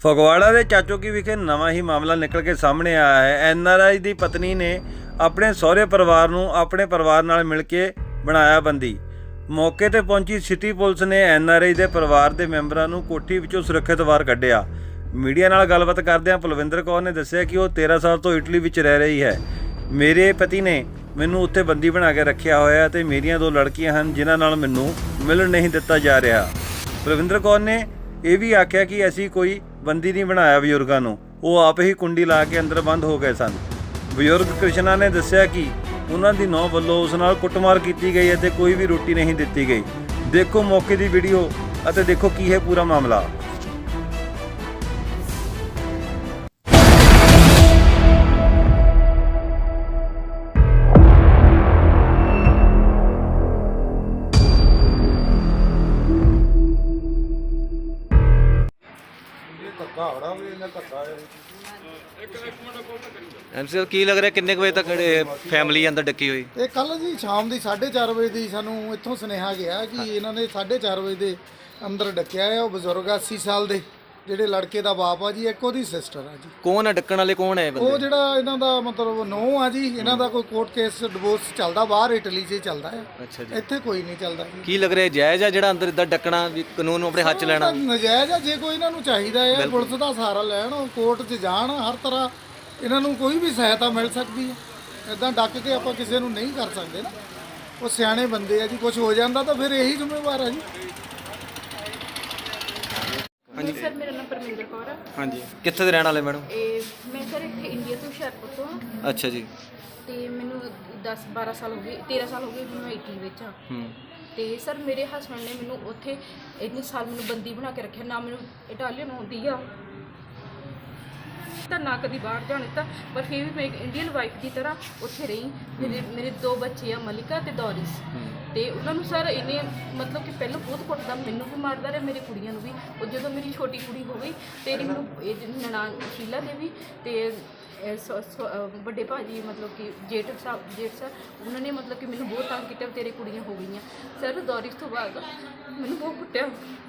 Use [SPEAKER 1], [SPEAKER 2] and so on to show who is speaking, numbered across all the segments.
[SPEAKER 1] ਫਗਵਾੜਾ ਦੇ ਚਾਚੋਕੀ ਵਿਖੇ ਨਵਾਂ ਹੀ ਮਾਮਲਾ ਨਿਕਲ ਕੇ ਸਾਹਮਣੇ ਆਇਆ ਹੈ। ਐਨਆਰਆਈ ਦੀ ਪਤਨੀ ਨੇ ਆਪਣੇ ਸਹੁਰੇ ਪਰਿਵਾਰ ਨੂੰ ਆਪਣੇ ਪਰਿਵਾਰ ਨਾਲ ਮਿਲ ਕੇ ਬਣਾਇਆ ਬੰਦੀ। ਮੌਕੇ ਤੇ ਪਹੁੰਚੀ ਸਿਟੀ ਪੁਲਿਸ ਨੇ ਐਨਆਰਆਈ ਦੇ ਪਰਿਵਾਰ ਦੇ ਮੈਂਬਰਾਂ ਨੂੰ ਕੋਠੀ ਵਿੱਚੋਂ ਸੁਰੱਖਿਅਤ ਬਾਹਰ ਕੱਢਿਆ। ਮੀਡੀਆ ਨਾਲ ਗੱਲਬਾਤ ਕਰਦਿਆਂ ਪਲਵਿੰਦਰ ਕੌਰ ਨੇ ਦੱਸਿਆ ਕਿ ਉਹ 13 ਸਾਲ ਤੋਂ ਇਟਲੀ ਵਿੱਚ ਰਹਿ ਰਹੀ ਹੈ। ਮੇਰੇ ਪਤੀ ਨੇ ਮੈਨੂੰ ਉੱਥੇ ਬੰਦੀ ਬਣਾ ਕੇ ਰੱਖਿਆ ਹੋਇਆ ਤੇ ਮੇਰੀਆਂ 2 ਲੜਕੀਆਂ ਹਨ ਜਿਨ੍ਹਾਂ ਨਾਲ ਮੈਨੂੰ ਮਿਲਣ ਨਹੀਂ ਦਿੱਤਾ ਜਾ ਰਿਹਾ। ਪਲਵਿੰਦਰ ਕੌਰ ਨੇ ਇਹ ਵੀ ਆਖਿਆ ਕਿ ਅਸੀਂ ਕੋਈ ਬੰਦੀ ਨਹੀਂ ਬਣਾਇਆ ਬਜ਼ੁਰਗਾਂ ਨੂੰ, ਉਹ ਆਪ ਹੀ ਕੁੰਡੀ ਲਾ ਕੇ ਅੰਦਰ ਬੰਦ ਹੋ ਗਏ ਸਨ। ਬਜ਼ੁਰਗ ਕ੍ਰਿਸ਼ਨਾ ਨੇ ਦੱਸਿਆ ਕਿ ਉਹਨਾਂ ਦੀ ਨੂੰਹ ਵੱਲੋਂ ਉਸ ਨਾਲ ਕੁੱਟਮਾਰ ਕੀਤੀ ਗਈ ਅਤੇ ਕੋਈ ਵੀ ਰੋਟੀ ਨਹੀਂ ਦਿੱਤੀ ਗਈ। ਦੇਖੋ ਮੌਕੇ ਦੀ ਵੀਡੀਓ ਅਤੇ ਦੇਖੋ ਕੀ ਹੈ ਪੂਰਾ ਮਾਮਲਾ।
[SPEAKER 2] ਐਮਸੀਐਲ ਕੀ ਲੱਗ ਰਿਹਾ ਕਿੰਨੇ ਕੁ ਵਜੇ ਤੱਕ ਫੈਮਿਲੀ ਅੰਦਰ ਡੱਕੀ ਹੋਈ?
[SPEAKER 3] ਇਹ ਕੱਲ ਜੀ ਸ਼ਾਮ ਦੀ 4:30 ਵਜੇ ਦੀ ਸਾਨੂੰ ਇੱਥੋਂ ਸੁਨੇਹਾ ਗਿਆ ਕਿ ਇਹਨਾਂ ਨੇ 4:30 ਵਜੇ ਦੇ ਅੰਦਰ ਡੱਕਿਆ ਹੈ। ਉਹ ਬਜ਼ੁਰਗ 80 ਸਾਲ ਦੇ ਜਿਹੜੇ ਲੜਕੇ ਦਾ ਬਾਪ ਆ ਜੀ, ਇੱਕ ਉਹਦੀ ਸਿਸਟਰ ਆ ਜੀ।
[SPEAKER 2] ਕੌਣ ਹੈ ਡੱਕਣ ਵਾਲੇ, ਕੌਣ ਹੈ ਬੰਦੇ?
[SPEAKER 3] ਉਹ ਜਿਹੜਾ ਇਹਨਾਂ ਦਾ ਮਤਲਬ ਨੂੰਹ ਆ ਜੀ। ਇਹਨਾਂ ਦਾ ਕੋਈ ਕੋਰਟ ਕੇਸ ਡਿਵੋਰਸ ਚੱਲਦਾ ਬਾਹਰ ਇਟਲੀ 'ਚ ਚੱਲਦਾ ਹੈ।
[SPEAKER 2] ਅੱਛਾ ਜੀ।
[SPEAKER 3] ਇੱਥੇ ਕੋਈ ਨਹੀਂ ਚੱਲਦਾ ਜੀ।
[SPEAKER 2] ਕੀ ਲੱਗ ਰਿਹਾ ਜਾਇਜ਼ ਆ ਜਿਹੜਾ ਅੰਦਰ ਇਦਾਂ ਡੱਕਣਾ, ਵੀ ਕਾਨੂੰਨ ਨੂੰ ਆਪਣੇ ਹੱਥ 'ਚ ਲੈਣਾ?
[SPEAKER 3] ਨਜਾਇਜ਼ ਆ। ਜੇ ਕੋਈ ਇਹਨਾਂ ਨੂੰ ਚਾਹੀਦਾ ਹੈ ਪੁਲਿਸ ਦਾ ਸਹਾਰਾ ਲੈਣ, ਉਹ ਕੋਰਟ 'ਚ ਜਾਣ, ਹਰ ਤਰ੍ਹਾਂ ਇਹਨਾਂ ਨੂੰ ਕੋਈ ਵੀ ਸਹਾਇਤਾ ਮਿਲ ਸਕਦੀ ਹੈ। ਇੱਦਾਂ ਡੱਕ ਕੇ ਆਪਾਂ ਕਿਸੇ ਨੂੰ ਨਹੀਂ ਕਰ ਸਕਦੇ ਨਾ। ਉਹ ਸਿਆਣੇ ਬੰਦੇ ਆ ਜੀ, ਕੁਝ ਹੋ ਜਾਂਦਾ ਤਾਂ ਫਿਰ ਇਹੀ ਜ਼ਿੰਮੇਵਾਰ ਆ ਜੀ।
[SPEAKER 4] ਹਾਂਜੀ ਸਰ, ਮੇਰਾ ਨਾਮ ਪਰਮਿੰਦਰ ਕੌਰ ਆ।
[SPEAKER 2] ਹਾਂਜੀ, ਕਿੱਥੇ ਦੇ ਰਹਿਣ ਵਾਲੇ ਮੈਡਮ?
[SPEAKER 4] ਮੈਂ ਸਰ ਇੱਥੇ ਇੰਡੀਆ ਤੋਂ ਹੁਸ਼ਿਆਰਪੁਰ ਤੋਂ ਹਾਂ।
[SPEAKER 2] ਅੱਛਾ ਜੀ।
[SPEAKER 4] ਤੇ ਮੈਨੂੰ 10-12 ਸਾਲ ਹੋ ਗਏ, 13 ਸਾਲ ਹੋ ਗਏ ਮੈਂ ਇਟਲੀ ਵਿੱਚ ਹਾਂ। ਤੇ ਸਰ ਮੇਰੇ ਹਸਬੈਂਡ ਨੇ ਮੈਨੂੰ ਉੱਥੇ ਇੰਨੇ ਸਾਲ ਮੈਨੂੰ ਬੰਦੀ ਬਣਾ ਕੇ ਰੱਖਿਆ। ਨਾ ਮੈਨੂੰ ਇਟਾਲੀਅਨ ਆਉਂਦੀ ਆ ਤਾਂ ਨਾ ਕਦੀ ਬਾਹਰ ਜਾਣ ਦਿੱਤਾ, ਪਰ ਫਿਰ ਵੀ ਮੈਂ ਇੱਕ ਇੰਡੀਅਨ ਵਾਈਫ ਦੀ ਤਰ੍ਹਾਂ ਉੱਥੇ ਰਹੀ। ਮੇਰੇ 2 ਬੱਚੇ ਆ, ਮਲਿਕਾ ਤੇ ਦੌਰਿਸ। ਤੇ ਉਹਨਾਂ ਨੂੰ ਸਰ ਇਹਨੇ ਮਤਲਬ ਕਿ ਪਹਿਲਾਂ ਬਹੁਤ ਕੁੱਟਦਾ, ਮੈਨੂੰ ਵੀ ਮਾਰਦਾ ਰਿਹਾ, ਮੇਰੀ ਕੁੜੀਆਂ ਨੂੰ ਵੀ। ਉਹ ਜਦੋਂ ਮੇਰੀ ਛੋਟੀ ਕੁੜੀ ਹੋ ਗਈ ਤੇ ਮੈਨੂੰ ਇਹ ਨਨਾਣ ਸ਼ੀਲਾ ਦੇਵੀ ਤੇ ਵੱਡੇ ਭਾਜੀ ਮਤਲਬ ਕਿ ਜੇਠ ਸਰ ਉਹਨਾਂ ਨੇ ਮਤਲਬ ਕਿ ਮੈਨੂੰ ਬਹੁਤ ਤੰਗ ਕੀਤਾ, ਤੇਰੇ ਕੁੜੀਆਂ ਹੋ ਗਈਆਂ। ਸਰ ਦੌਰਿਸ ਤੋਂ ਬਾਅਦ ਮੈਨੂੰ ਬਹੁਤ ਕੁੱਟਿਆ।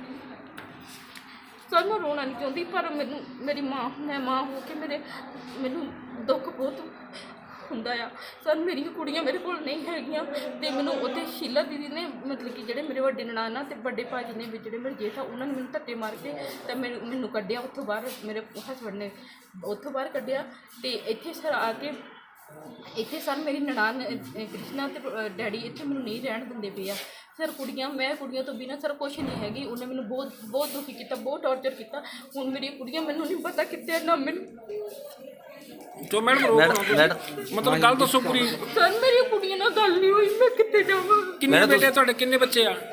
[SPEAKER 4] ਸਰ ਮੈਂ ਰੋਣਾ ਨਹੀਂ ਚਾਹੁੰਦੀ, ਪਰ ਮੇਰੀ ਮੈਂ ਮਾਂ ਹੋ ਕੇ ਮੈਨੂੰ ਦੁੱਖ ਬਹੁਤ ਹੁੰਦਾ ਆ। ਸਰ ਮੇਰੀਆਂ ਕੁੜੀਆਂ ਮੇਰੇ ਕੋਲ ਨਹੀਂ ਹੈਗੀਆਂ ਤੇ ਮੈਨੂੰ ਉੱਥੇ ਸ਼ੀਲਾ ਦੀਦੀ ਨੇ ਮਤਲਬ ਕਿ ਜਿਹੜੇ ਮੇਰੇ ਵੱਡੇ ਨਨਾਣਾ ਤੇ ਵੱਡੇ ਭਾਜੀ ਨੇ ਵੀ ਜਿਹੜੇ ਮੇਰੇ ਜੇਠ ਆ, ਉਹਨਾਂ ਨੇ ਮੈਨੂੰ ਧੱਕੇ ਮਾਰ ਕੇ ਤਾਂ ਮੈਨੂੰ ਕੱਢਿਆ ਉੱਥੋਂ ਬਾਹਰ। ਮੇਰੇ ਹਸਬੈਂਡ ਨੇ ਉੱਥੋਂ ਬਾਹਰ ਕੱਢਿਆ ਤੇ ਇੱਥੇ ਸਰ ਆ ਕੇ ਇੱਥੇ ਸਰ ਮੇਰੀ ਨਨਾਣ ਕ੍ਰਿਸ਼ਨਾ ਤੇ ਡੈਡੀ ਇੱਥੇ ਮੈਨੂੰ ਨਹੀਂ ਰਹਿਣ ਦਿੰਦੇ ਪਏ ਆ। ਸਰ ਮੈਂ ਕੁੜੀਆਂ ਤੋਂ ਬਿਨਾਂ ਸਰ ਕੁਛ ਨਹੀਂ ਹੈਗੀ। ਉਹਨੇ ਮੈਨੂੰ ਬਹੁਤ ਦੁਖੀ ਕੀਤਾ, ਬਹੁਤ ਟੌਰਚਰ ਕੀਤਾ। ਹੁਣ ਮੇਰੀਆਂ ਕੁੜੀਆਂ ਮੈਨੂੰ ਨਹੀਂ ਪਤਾ ਕਿੱਥੇ ਨਾ ਮੈਨੂੰ।
[SPEAKER 5] ਜੋ ਮੈਡਮ ਮਤਲਬ ਗੱਲ ਦੱਸੋ ਪੂਰੀ।
[SPEAKER 4] ਸਰ ਮੇਰੀਆਂ ਕੁੜੀਆਂ ਨਾਲ ਗੱਲ ਨਹੀਂ ਹੋਈ, ਮੈਂ ਕਿੱਥੇ ਜਾਵਾਂ?
[SPEAKER 5] ਕਿੰਨੇ ਬੇਟੇ ਤੁਹਾਡੇ, ਕਿੰਨੇ ਬੱਚੇ ਆ?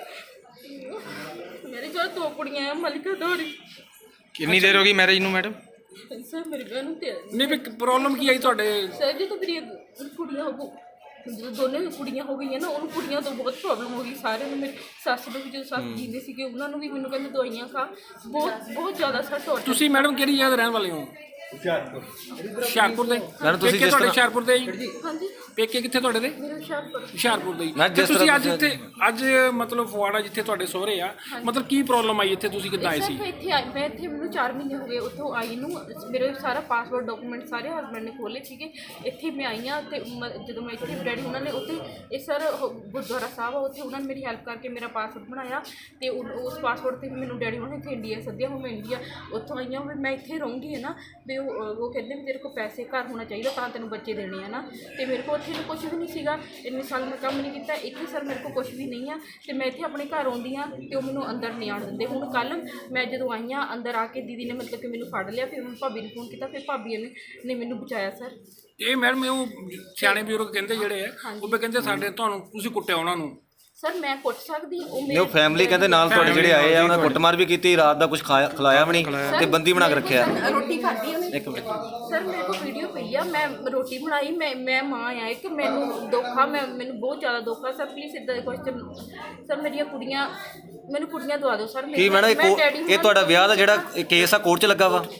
[SPEAKER 4] ਮੇਰੇ ਕੋਲ 2 ਕੁੜੀਆਂ ਆ, ਮਲਿਕਾ ਦੌਰੀ।
[SPEAKER 2] ਕਿੰਨੀ ਦੇਰ ਹੋ ਗਈ ਮੈਰਿਜ ਨੂੰ ਮੈਡਮ?
[SPEAKER 4] ਸਰ ਮੇਰੇ ਵਿਆਹ ਨੂੰ ਤੇ
[SPEAKER 5] ਨਹੀਂ ਵੀ ਪ੍ਰੋਬਲਮ ਕੀ ਆਈ ਤੁਹਾਡੇ?
[SPEAKER 4] ਸਰ ਜਦੋਂ ਮੇਰੀਆਂ ਕੁੜੀਆਂ ਜਦੋਂ ਦੋਨੇ ਕੁੜੀਆਂ ਹੋ ਗਈਆਂ ਨਾ, ਉਹਨੂੰ ਕੁੜੀਆਂ ਤੋਂ ਬਹੁਤ ਪ੍ਰੋਬਲਮ ਹੋ ਗਈ। ਸਾਰਿਆਂ ਨੂੰ, ਮੇਰੀ ਸੱਸ ਨੂੰ ਵੀ, ਜਦੋਂ ਸੱਸ ਜੀਂਦੇ ਸੀਗੇ ਉਹਨਾਂ ਨੂੰ ਵੀ ਮੈਨੂੰ ਕਹਿੰਦੇ ਦਵਾਈਆਂ ਖਾ। ਬਹੁਤ ਜ਼ਿਆਦਾ ਸਰ ਟੌਰਚਰ।
[SPEAKER 5] ਤੁਸੀਂ ਮੈਡਮ ਕਿਹੜੀ ਜਗ੍ਹਾ ਦੇ ਰਹਿਣ ਵਾਲੇ ਹੋ? ਹੁਸ਼ਿਆਰਪੁਰ ਦੇ।
[SPEAKER 2] ਮੈਡਮ ਤੁਸੀਂ
[SPEAKER 5] ਪੇਕੇ ਤੁਹਾਡੇ ਹੁਸ਼ਿਆਰਪੁਰ ਦੇ ਜੀ?
[SPEAKER 4] ਹਾਂਜੀ,
[SPEAKER 5] ਪੇਕੇ ਕਿੱਥੇ ਤੁਹਾਡੇ ਦੇ?
[SPEAKER 4] ਮੇਰੇ
[SPEAKER 5] ਹੁਸ਼ਿਆਰਪੁਰ ਦੇ।
[SPEAKER 2] ਜਿਸ
[SPEAKER 5] ਤੁਸੀਂ ਅੱਜ ਇੱਥੇ ਮਤਲਬ ਫਗਵਾੜਾ ਜਿੱਥੇ ਤੁਹਾਡੇ ਸਹੁਰੇ ਆ, ਮਤਲਬ ਕੀ ਪ੍ਰੋਬਲਮ ਆਈ ਇੱਥੇ? ਤੁਸੀਂ ਕਿੱਦਾਂ ਆਏ ਸੀ?
[SPEAKER 4] ਮੈਂ ਇੱਥੇ ਮੈਨੂੰ 4 ਮਹੀਨੇ ਹੋ ਗਏ ਉੱਥੋਂ ਆਈ ਨੂੰ। ਮੇਰੇ ਸਾਰਾ ਪਾਸਪੋਰਟ ਡਾਕੂਮੈਂਟ ਸਾਰੇ ਹਸਬੈਂਡ ਨੇ ਖੋਲ੍ਹੇ ਸੀਗੇ। ਇੱਥੇ ਮੈਂ ਆਈ ਹਾਂ ਤੇ ਜਦੋਂ ਮੈਂ ਇੱਥੇ ਡੈਡੀ ਉਹਨਾਂ ਨੇ ਉੱਥੇ ਇਹ ਸਰ ਗੁਰਦੁਆਰਾ ਸਾਹਿਬ ਆ, ਉੱਥੇ ਉਹਨਾਂ ਨੇ ਮੇਰੀ ਹੈਲਪ ਕਰਕੇ ਮੇਰਾ ਪਾਸਪੋਰਟ ਬਣਾਇਆ ਤੇ ਉਸ ਪਾਸਪੋਰਟ 'ਤੇ ਮੈਨੂੰ ਡੈਡੀ ਉਹਨਾਂ ਨੇ ਇੱਥੇ ਇੰਡੀਆ ਸੱਦਿਆ। ਹੁਣ ਮੈਂ ਇੰਡੀਆ ਉੱਥੋਂ ਆਈ ਹਾਂ ਵੀ ਮੈਂ ਇੱਥੇ ਰਹੂੰਗੀ ਹੈ ਨਾ। ਵੀ ਉਹ ਕਹਿੰਦੇ ਵੀ ਤੇਰੇ ਕੋਲ ਪੈਸੇ ਘਰ ਹੋਣਾ ਚਾਹੀਦਾ ਤਾਂ ਤੈਨੂੰ ਬੱਚੇ ਦੇਣੇ ਆ ਨਾ। ਤੇ ਮੇਰੇ ਕੋਲ ਉੱਥੇ ਕੁਛ ਵੀ ਨਹੀਂ ਸੀਗਾ। ਇੰਨੇ ਸਾਲ ਮੈਂ ਕੰਮ ਨਹੀਂ ਕੀਤਾ। ਇੱਥੇ ਸਰ ਮੇਰੇ ਕੋਲ ਕੁਛ ਵੀ ਨਹੀਂ ਆ ਤੇ ਮੈਂ ਇੱਥੇ ਆਪਣੇ ਘਰ ਆਉਂਦੀ ਹਾਂ ਤੇ ਉਹ ਮੈਨੂੰ ਅੰਦਰ ਨਹੀਂ ਆਉਣ ਦਿੰਦੇ। ਹੁਣ ਕੱਲ੍ਹ ਮੈਂ ਜਦੋਂ ਆਈ ਹਾਂ ਅੰਦਰ ਆ ਕੇ ਦੀਦੀ ਨੇ ਮਤਲਬ ਕਿ ਮੈਨੂੰ ਫੜ ਲਿਆ। ਫਿਰ ਭਾਬੀ ਨੂੰ ਫੋਨ ਕੀਤਾ, ਫਿਰ ਭਾਬੀ ਨੇ ਮੈਨੂੰ ਬਚਾਇਆ ਸਰ।
[SPEAKER 5] ਇਹ ਮੈਡਮ ਉਹ ਸਿਆਣੇ ਬਜ਼ੁਰਗ ਕਹਿੰਦੇ ਜਿਹੜੇ ਆ, ਉਹ ਕਹਿੰਦੇ ਸਾਡੇ ਤੁਹਾਨੂੰ ਤੁਸੀਂ ਕੁੱਟਿਆ ਉਹਨਾਂ ਨੂੰ।
[SPEAKER 4] ਸਰ ਮੈਂ ਕੁੱਟ ਸਕਦੀ
[SPEAKER 2] ਉਹ ਫੈਮਿਲੀ ਕਹਿੰਦੇ ਨਾਲ ਤੁਹਾਡੇ ਜਿਹੜੇ ਆਏ ਆ ਉਹਨਾਂ ਕੁੱਟਮਾਰ ਵੀ ਕੀਤੀ, ਰਾਤ ਦਾ ਕੁਝ ਖਿਲਾਇਆ ਵੀ ਨਹੀਂ ਤੇ ਬੰਦੀ ਬਣਾ ਕੇ ਰੱਖਿਆ।
[SPEAKER 4] ਰੋਟੀ ਖਾਧੀ ਉਹਨੇ।
[SPEAKER 2] ਇੱਕ ਮਿੰਟ
[SPEAKER 4] ਸਰ ਮੇਰੇ ਕੋਲ ਵੀਡੀਓ ਪਈ ਆ, ਮੈਂ ਰੋਟੀ ਬਣਾਈ। ਮੈਂ ਮਾਂ ਆ ਇੱਕ, ਮੈਨੂੰ ਦੁੱਖ ਆ, ਮੈਨੂੰ ਬਹੁਤ ਜ਼ਿਆਦਾ ਦੁੱਖ ਆ। ਸਰ ਪਲੀਜ਼ ਇੱਦਾਂ ਦੇ ਕੁਐਸਚਨ ਸਰ ਮੇਰੀਆਂ ਕੁੜੀਆਂ ਮੈਨੂੰ ਕੁੜੀਆਂ ਦਵਾ ਦਿਓ ਸਰ।
[SPEAKER 2] ਕੀ ਮੈਡਮ ਇਹ ਤੁਹਾਡਾ ਵਿਆਹ ਦਾ ਜਿਹੜਾ ਕੇਸ ਆ ਕੋਰਟ 'ਚ ਲੱਗਾ ਵਾ?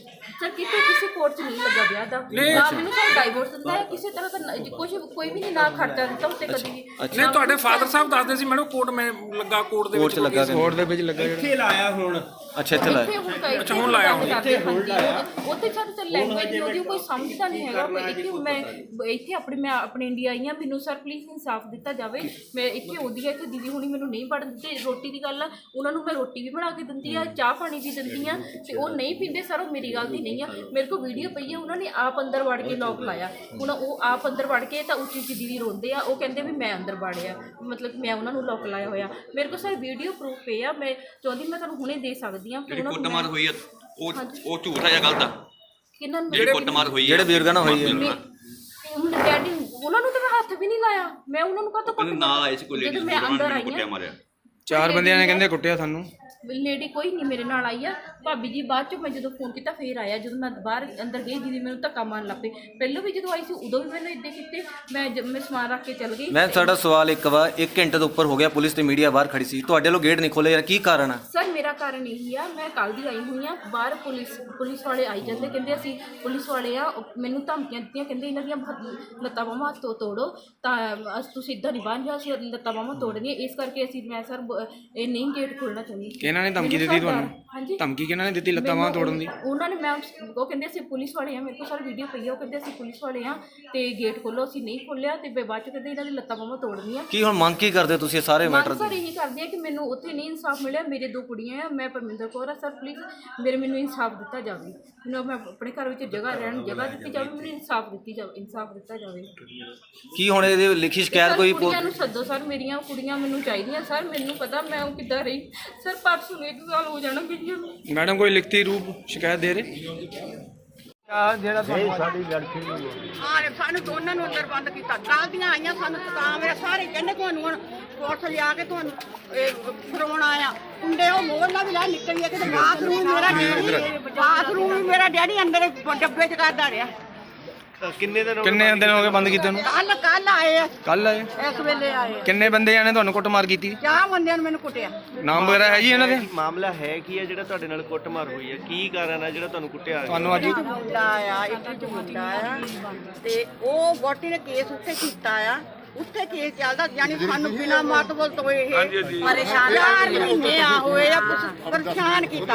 [SPEAKER 4] ਸਰ ਕਿਤੇ ਕਿਸੇ ਕੋਰਟ 'ਚ ਨਹੀਂ ਲੱਗਾ ਵਿਆਹ ਦਾ ਨਾ ਮੈਨੂੰ ਸਰ ਡਾਈਵੋਰਸ ਦਿੱਤਾ ਹੈ ਕਿਸੇ ਤਰ੍ਹਾਂ ਦਾ ਕੁਝ ਕੋਈ ਵੀ ਨਹੀਂ ਨਾ ਖਰਚਾ ਦਿੱਤਾ ਉੱਤੇ ਕਦੀ ਵੀ
[SPEAKER 5] ਨਹੀਂ ਤੁਹਾਡੇ ਫਾਦਰ ਸਾਹਿਬ ਦੱਸਦੇ ਸੀ ਮੈਡਮ ਕੋਰਟ ਮੈਂ ਲੱਗਾ ਕੋਰਟ ਦੇ ਵਿੱਚ
[SPEAKER 2] ਲੱਗਾ
[SPEAKER 6] ਕੋਰਟ ਦੇ ਵਿੱਚ ਲੱਗਾ
[SPEAKER 1] ਇੱਥੇ ਲਾਇਆ ਹੁਣ
[SPEAKER 2] ਅੱਛਾ ਇੱਥੇ ਲਾਇਆ
[SPEAKER 4] ਅੱਛਾ ਹੁਣ ਲਾਇਆ ਉੱਥੇ ਸਰ ਲੈਂਗੁਏਜ ਦੀ ਉਹਦੀ ਕੋਈ ਸਮਝਦਾ ਨਹੀਂ ਹੈਗਾ ਮੈਂ ਇੱਥੇ ਮੈਂ ਆਪਣੇ ਇੰਡੀਆ ਆਈ ਹਾਂ ਮੈਨੂੰ ਸਰ ਪਲੀਜ਼ ਇਨਸਾਫ ਦਿੱਤਾ ਜਾਵੇ ਮੈਂ ਇੱਥੇ ਆਉਂਦੀ ਹਾਂ ਕਿ ਦੀਦੀ ਹੁਣੀ ਮੈਨੂੰ ਨਹੀਂ ਪੜ੍ਹਨ ਦਿੰਦੇ ਰੋਟੀ ਦੀ ਗੱਲ ਆ ਉਹਨਾਂ ਨੂੰ ਮੈਂ ਰੋਟੀ ਵੀ ਬਣਾ ਕੇ ਦਿੰਦੀ ਆ ਚਾਹ ਪਾਣੀ ਵੀ ਦਿੰਦੀ ਆ ਤੇ ਉਹ ਨਹੀਂ ਪੀਂਦੇ ਸਰ ਉਹ ਮੇਰੀ ਗਲਤੀ ਨਹੀਂ ਆ ਮੇਰੇ ਕੋਲ ਵੀਡੀਓ ਪਈ ਆ ਉਹਨਾਂ ਨੇ ਆਪ ਅੰਦਰ ਵੜ ਕੇ ਲੋਕ ਲਾਇਆ ਹੁਣ ਉਹ ਆਪ ਅੰਦਰ ਵੜ ਕੇ ਤਾਂ ਉੱਚੀ ਉੱਚੀ ਦੀਦੀ ਰੋਂਦੇ ਆ ਉਹ ਕਹਿੰਦੇ ਵੀ ਮੈਂ ਅੰਦਰ ਵੜਿਆ ਮਤਲਬ ਮੈਂ ਉਹਨਾਂ ਨੂੰ ਲੋਕ ਲਾਇਆ ਹੋਇਆ ਮੇਰੇ ਕੋਲ ਸਰ ਵੀਡੀਓ ਪ੍ਰੂਫ ਪਏ ਆ ਮੈਂ ਚਾਹੁੰਦੀ ਮੈਂ ਤੁਹਾਨੂੰ ਹੁਣੇ ਦੇ ਸਕਦੀ ਹਾਂ
[SPEAKER 7] ਜਿਹੜੀ ਕੁੱਟਮਾਰ ਹੋਈ ਆ ਉਹ ਝੂਠ ਆ ਜਾਂ ਗਲਤ ਆ
[SPEAKER 4] ਕਿਹਨਾਂ ਨੂੰ
[SPEAKER 7] ਜਿਹੜੀ ਕੁੱਟਮਾਰ ਹੋਈ ਆ
[SPEAKER 2] ਜਿਹੜੇ ਬਜ਼ੁਰਗਾਂ ਨਾਲ ਹੋਈ ਹੈ
[SPEAKER 4] ਡੈਡੀ ਉਹਨਾਂ ਨੂੰ ਤਾਂ ਮੈਂ ਹੱਥ ਵੀ ਨਹੀਂ ਲਾਇਆ ਮੈਂ ਉਹਨਾਂ ਨੂੰ ਕਾਹਤੋਂ
[SPEAKER 7] ਕਹਿੰਦੇ ਨਾਲ ਆਏ ਸੀ ਕੋਈ ਲੇਡੀ
[SPEAKER 4] ਮੈਂ ਅੰਦਰ ਆਈ
[SPEAKER 7] ਕੁੱਟਿਆ ਮਾਰਿਆ
[SPEAKER 6] 4 ਬੰਦਿਆਂ ਨੇ ਕਹਿੰਦੇ ਕੁੱਟਿਆ ਸਾਨੂੰ
[SPEAKER 4] ਲੇਡੀ ਕੋਈ ਨਹੀਂ ਮੇਰੇ ਨਾਲ ਆਈ ਆ ਭਾਬੀ ਜੀ ਬਾਅਦ ਚੋਂ ਮੈਂ ਜਦੋਂ ਫੋਨ ਕੀਤਾ ਫੇਰ ਆਇਆ ਜਦੋਂ ਮੈਂ ਬਾਹਰ ਅੰਦਰ ਗਈ ਦੀਦੀ ਮੈਨੂੰ ਧੱਕਾ ਮਾਰਨ ਲੱਗ ਪਈ ਪਹਿਲਾਂ ਵੀ ਜਦੋਂ ਆਈ ਸੀ ਉਦੋਂ ਵੀ ਮੈਨੂੰ ਇੱਦਾਂ ਕੀਤੇ ਮੈਂ ਸਮਾਨ ਰੱਖ ਕੇ ਚੱਲ ਗਈ
[SPEAKER 2] ਮੈਂ ਸਾਡਾ ਸਵਾਲ ਇੱਕ 1 ਘੰਟੇ ਤੋਂ ਉੱਪਰ ਹੋ ਗਿਆ ਪੁਲਿਸ ਤੇ ਮੀਡੀਆ ਬਾਹਰ ਖੜੀ ਸੀ ਤੁਹਾਡੇ ਵੱਲੋਂ ਗੇਟ ਨਹੀਂ ਖੋਲੇ ਯਾਰ ਕੀ ਕਾਰਨ ਆ
[SPEAKER 4] ਸਰ ਮੇਰਾ ਕਾਰਨ ਇਹੀ ਆ ਮੈਂ ਕੱਲ ਦੀ ਆਈ ਹੋਈ ਆ ਬਾਹਰ ਪੁਲਿਸ ਵਾਲੇ ਆਈ ਜਾਂਦੇ ਕਹਿੰਦੇ ਅਸੀਂ ਪੁਲਿਸ ਵਾਲੇ ਆ ਮੈਨੂੰ ਧਮਕੀਆਂ ਦਿੱਤੀਆਂ ਕਹਿੰਦੇ ਇਹਨਾਂ ਦੀਆਂ ਲੱਤਾਂ ਬਾਹਾਂ ਤੋਂ ਤੋੜੋ ਤਾਂ ਤੁਸੀਂ ਇੱਦਾਂ ਨਹੀਂ ਬਾਹਰ ਜਾ ਅਸੀਂ ਲੱਤਾਂ ਬਾਹਾਂ ਤੋੜਨੀਆਂ ਇਸ ਕਰਕੇ ਮੈਂ ਸਰ ਇਹ ਨਹੀਂ ਗੇਟ ਖੋਲ੍ਹਣਾ ਚਾਹੁੰਦੀ
[SPEAKER 6] ਕਿਹਨਾਂ ਨੇ ਧਮਕੀ ਦਿੱਤੀ ਤੁਹਾਨੂੰ
[SPEAKER 4] ਹਾਂਜੀ
[SPEAKER 6] ਧਮਕੀ ਕਿਹਨਾਂ ਨੇ ਦਿੱਤੀ ਲੱਤਾਂ ਬਾਹਾਂ ਤੋੜਨ ਦੀ
[SPEAKER 4] ਉਹਨਾਂ ਨੇ ਮੈਂ ਉਹ ਕਹਿੰਦੇ ਅਸੀਂ ਪੁਲਿਸ ਵਾਲੇ ਆ ਮੇਰੇ ਕੋਲ ਸਾਰੀ ਵੀਡੀਓ ਪਈ ਆ ਉਹ ਕਹਿੰਦੇ ਅਸੀਂ ਪੁਲਿਸ ਵਾਲੇ ਆ ਤੇ ਗੇਟ ਖੋਲੋ ਅਸੀਂ ਨਹੀਂ ਖੋਲਿਆ ਤੇ ਬਾਅਦ ਚ ਕਹਿੰਦੇ ਇਹਨਾਂ ਦੀ ਲੱਤਾਂ ਬਾਹਾਂ ਤੋੜਨੀਆਂ
[SPEAKER 2] ਕੀ ਹੁਣ ਮੰਗ ਕੀ ਕਰਦੇ ਤੁਸੀਂ ਇਹ ਸਾਰੇ ਮੈਟਰ
[SPEAKER 4] ਸਰ ਇਹੀ ਕਰਦੇ ਆ ਕਿ ਮੈਨੂੰ ਉੱਥੇ ਨਹੀਂ ਇਨਸਾਫ ਮਿਲਿਆ ਮੇਰੇ 2 ਕੁੜੀਆਂ ਆ ਮੈਂ ਪਰਮਿੰਦਰ ਕੌਰ ਆ ਸਰ ਪਲੀਜ਼ ਮੈਨੂੰ ਇਨਸਾਫ ਦਿੱਤਾ ਜਾਵੇ ਮੈਨੂੰ ਮੈਂ ਆਪਣੇ ਘਰ ਵਿੱਚ ਜਗ੍ਹਾ ਦਿੱਤੀ ਜਾਵੇ ਮੈਨੂੰ ਇਨਸਾਫ ਦਿੱਤਾ ਜਾਵੇ
[SPEAKER 2] ਕੀ ਹੁਣ ਇਹਦੀ ਲਿਖੀ ਸ਼ਿਕਾਇਤ ਕੋਈ
[SPEAKER 4] ਕੁੜੀਆਂ ਨੂੰ ਸੱਦੋ ਸਰ ਮੇਰੀਆਂ ਕੁੜੀਆਂ ਮੈਨੂੰ ਚਾਹੀਦੀਆਂ ਸਰ ਮੈਨੂੰ ਪਤਾ ਮੈਂ ਉਹ ਕਿੱਦਾਂ ਰਹੀ ਸਰ ਪਰਸੋਂ ਨੂੰ 1 ਸਾਲ ਹੋ ਜਾਣਾ ਵੀਡੀਓ ਨੂੰ
[SPEAKER 6] ਮੈਡਮ ਕੋਈ ਲਿਖਤੀ ਰੂਪ ਸ਼ਿਕਾਇਤ ਦੇ ਰਹੇ
[SPEAKER 8] ਹਾਂ ਸਾਨੂੰ ਦੋਨਾਂ ਨੂੰ ਅੰਦਰ ਬੰਦ ਕੀਤਾ ਕੱਲ੍ਹ ਦੀਆਂ ਆਈਆਂ ਸਾਨੂੰ ਤਾਂ ਮੇਰੇ ਸਾਰੇ ਕਹਿੰਦੇ ਤੁਹਾਨੂੰ ਹੁਣ ਪੁਲਿਸ ਲਿਆ ਕੇ ਤੁਹਾਨੂੰ ਫੜਾਉਣ ਆਇਆ ਕੁੰਡੇ ਉਹ ਮੋਹਲਾ ਵੀ ਲਾ ਨਿਕਲੀ ਕਿ ਬਾਥਰੂਮ ਵੀ ਮੇਰਾ ਡੈਡੀ ਅੰਦਰ ਡੱਬੇ 'ਚ ਕਰਦਾ ਰਿਹਾ
[SPEAKER 6] ਕਿੰਨੇ ਦਿਨ ਹੋ ਗਏ ਬੰਦ ਕੀਤੇ ਨੂੰ
[SPEAKER 8] ਕੱਲ ਆਏ ਆ
[SPEAKER 6] ਕੱਲ ਆਏ
[SPEAKER 8] ਇਸ ਵੇਲੇ ਆਏ
[SPEAKER 6] ਕਿੰਨੇ ਬੰਦਿਆਂ ਨੇ ਤੁਹਾਨੂੰ ਕੁੱਟਮਾਰ ਕੀਤੀ
[SPEAKER 8] 4 ਬੰਦਿਆਂ ਨੇ ਮੈਨੂੰ ਕੁੱਟਿਆ
[SPEAKER 6] ਨਾਮ ਵਗੈਰਾ ਹੈ ਜੀ ਇਹਨਾਂ ਦੇ
[SPEAKER 9] ਮਾਮਲਾ ਹੈ ਕੀ ਹੈ ਜਿਹੜਾ ਤੁਹਾਡੇ ਨਾਲ ਕੁੱਟਮਾਰ ਹੋਈ ਹੈ ਕੀ ਕਾਰਨ ਹੈ ਜਿਹੜਾ ਤੁਹਾਨੂੰ ਕੁੱਟਿਆ
[SPEAKER 6] ਤੁਹਾਨੂੰ ਅੱਜ
[SPEAKER 8] ਮੁੰਡਾ ਆਇਆ ਇੱਕ ਮੁੰਡਾ ਆਇਆ ਤੇ ਉਹ ਵੋਟੀ ਨੇ ਕੇਸ ਉੱਥੇ ਕੀਤਾ ਆ ਉੱਥੇ ਕੇਸ ਚੱਲਦਾ ਯਾਨੀ ਸਾਨੂੰ ਬਿਨਾ ਮਤਲਬ ਤੋਂ ਇਹ ਪਰੇਸ਼ਾਨ 4 ਮਹੀਨੇ ਆ ਹੋਏ ਆ ਪਰੇਸ਼ਾਨ ਕੀਤਾ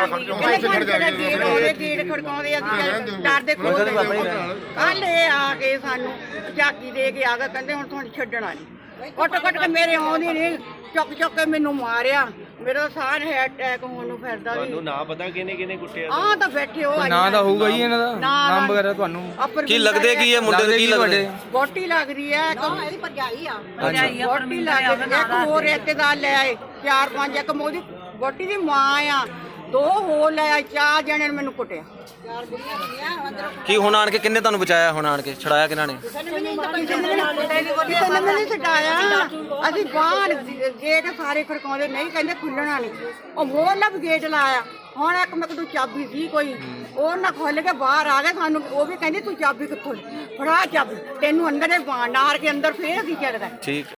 [SPEAKER 8] ਗੇਟ ਖੜਕਾਉਂਦੇ ਅਸੀਂ ਡਰਦੇ ਖੋਲਦੇ ਕੱਲ ਇਹ ਆ ਕੇ ਸਾਨੂੰ ਝਾਕੀ ਦੇ ਕੇ ਆ ਗਏ ਕਹਿੰਦੇ ਹੁਣ ਤੁਹਾਨੂੰ ਛੱਡਣਾ ਨਹੀਂ ਕੁੱਟ ਕੇ ਮੇਰੇ ਆਉਂਦੀ ਨਹੀਂ ਚੁੱਕ ਕੇ ਮੈਨੂੰ ਮਾਰਿਆ ਮੇਰਾ ਸਾਹ ਹੈ ਅਟੈਕ ਹੋਣ ਨੂੰ ਫਿਰਦਾ ਵੀ
[SPEAKER 9] ਤੁਹਾਨੂੰ ਨਾ ਪਤਾ ਕਿਹਨੇ ਕੁੱਟਿਆ
[SPEAKER 8] ਆਹ ਤਾਂ ਬੈਠੇ ਹੋ
[SPEAKER 6] ਨਾਂ ਤਾਂ ਹੋਊਗਾ ਜੀ ਇਹਨਾਂ ਦਾ ਨਾਮ ਵਗੈਰਾ ਤੁਹਾਨੂੰ
[SPEAKER 2] ਕੀ ਲੱਗਦੇ ਕੀ ਇਹ ਮੁੰਡੇ ਦੇ ਕੀ ਲੱਗਦੇ
[SPEAKER 8] ਬੋਟੀ ਲੱਗ ਰਹੀ ਹੈ ਇਹਦੀ ਭਰਜਾਈ ਆ ਬੋਟੀ ਲੱਗ ਰਹੀ ਇੱਕ ਹੋਰ ਰਿਸ਼ਤੇਦਾਰ ਲੈ ਆਏ 4-5 ਇੱਕ ਮੋਦੀ ਬੋਟੀ ਦੀ ਮਾਂ ਆ 2 ਹੋਰ ਲੈ ਆਏ 4 ਜਣੇ ਨੇ ਮੈਨੂੰ ਕੁੱਟਿਆ
[SPEAKER 2] ਕੀ ਹੁਣ ਆਣ ਕੇ ਕਿੰਨੇ ਤੁਹਾਨੂੰ ਬਚਾਇਆ ਹੁਣ ਆਣ ਕੇ ਛੜਾਇਆ ਕਿਹਨਾਂ ਨੇ
[SPEAKER 8] ਕਿਸੇ ਨੇ ਨਹੀਂ ਛਡਾਇਆ ਅਸੀਂ ਬਾਹਰ ਗੇਟ ਸਾਰੇ ਖੜਕਾਉਂਦੇ ਨਹੀਂ ਕਹਿੰਦੇ ਖੁੱਲਣਾ ਨਹੀਂ ਉਹ ਮੋਹਲਾ ਵੀ ਗੇਟ ਲਾਇਆ ਹੁਣ ਇੱਕ ਮੈਂ ਕੋਲ ਚਾਬੀ ਸੀ ਕੋਈ ਉਹ ਨਾ ਖੋਲ ਕੇ ਬਾਹਰ ਆ ਗਏ ਸਾਨੂੰ ਉਹ ਵੀ ਕਹਿੰਦੀ ਤੂੰ ਚਾਬੀ ਕਿੱਥੋਂ ਫੜਾ ਚਾਬੀ ਤੈਨੂੰ ਅੰਦਰ ਹੀ ਬਾਣ ਨਾਰ ਕੇ ਅੰਦਰ ਫੇਰ ਅਸੀਂ ਚੱਕਦਾ
[SPEAKER 2] ਠੀਕ